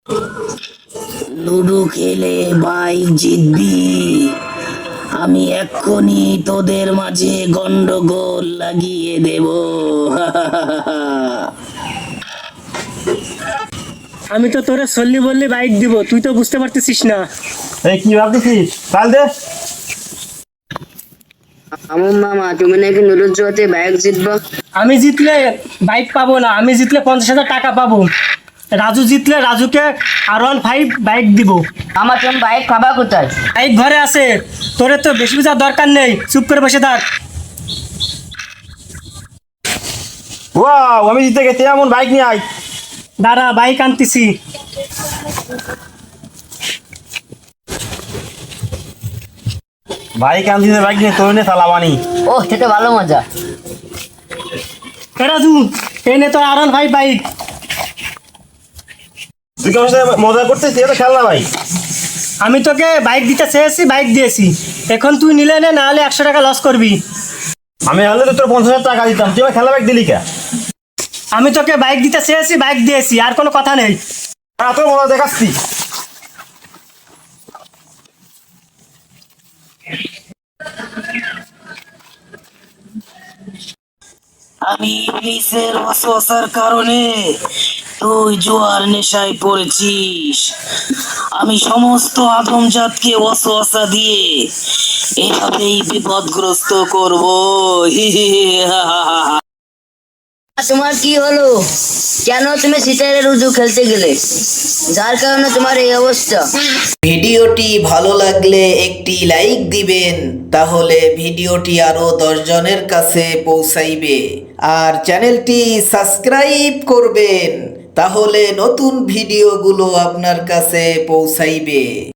Ludo খেলে bike জিতবি। আমি এক্ষুনি তোদের মাঝে গন্ডগোল লাগিয়ে দেব। আমি তো তোরে সল্লি বললি বাইক দিব, তুই তো বুঝতে পারতেছিস না। এই কি ভাবতেছিস? কাল দে। আমার মামা, তুমি নাকি নুরুজ জুয়াতে বাইক জিতবা? আমি জিতলে বাইক পাবো না, আমি জিতলে 50,000 টাকা পাবো। রাজু জিতলে রাজুকে R15 বাইক দিব। আমার তুমি বাইক খাবা কোথায়? বাইক ঘরে আছে, তোরে তো বেশি বোঝার দরকার নেই, চুপ করে বসে থাক। ওয়াও, আমি জিতে গেছি, এমন বাইক নিয়ে আয়। দাঁড়া, বাইক আনতেছি। বাইক আনছিস, বাইক নিয়ে তোর নিয়ে চালাবানি। ও, সেটা ভালো মজা। এ রাজু, এই নে তোর R15 বাইক। তুই কেমন সাথে মজা করতেছিস? এটা খেলনা ভাই। আমি তোকে বাইক দিতে চেয়েছি, বাইক দিয়েছি। এখন তুই নিলে নে, না হলে 100 টাকা লস করবি। আমি হলে তো তোর 50,000 টাকা দিতাম, তুই আমার খেলা বাইক দিলি কে? আমি তোকে বাইক দিতে চেয়েছি, বাইক দিয়েছি, আর কোনো কথা নেই। এত মজা দেখাচ্ছি। আমি ইবলিসের ওয়াসওয়াসার কারণে তুই জুয়ার নেশায় পড়েছিস। আমি সমস্ত আদমজাতকে ওয়াসওয়াসা দিয়ে এভাবেই বিপদগ্রস্ত করব। তোমার কি হলো? কেন তুমি সিতারে রুজু খেলতে গেলে, যার কারণে তোমার এই অবস্থা? ভিডিওটি ভালো লাগলে একটি লাইক দিবেন, তাহলে ভিডিওটি আরো 10 জনের কাছে পৌঁছাইবে। আর চ্যানেলটি সাবস্ক্রাইব করবেন, তাহলে নতুন ভিডিওগুলো আপনার কাছে পৌঁছাইবে।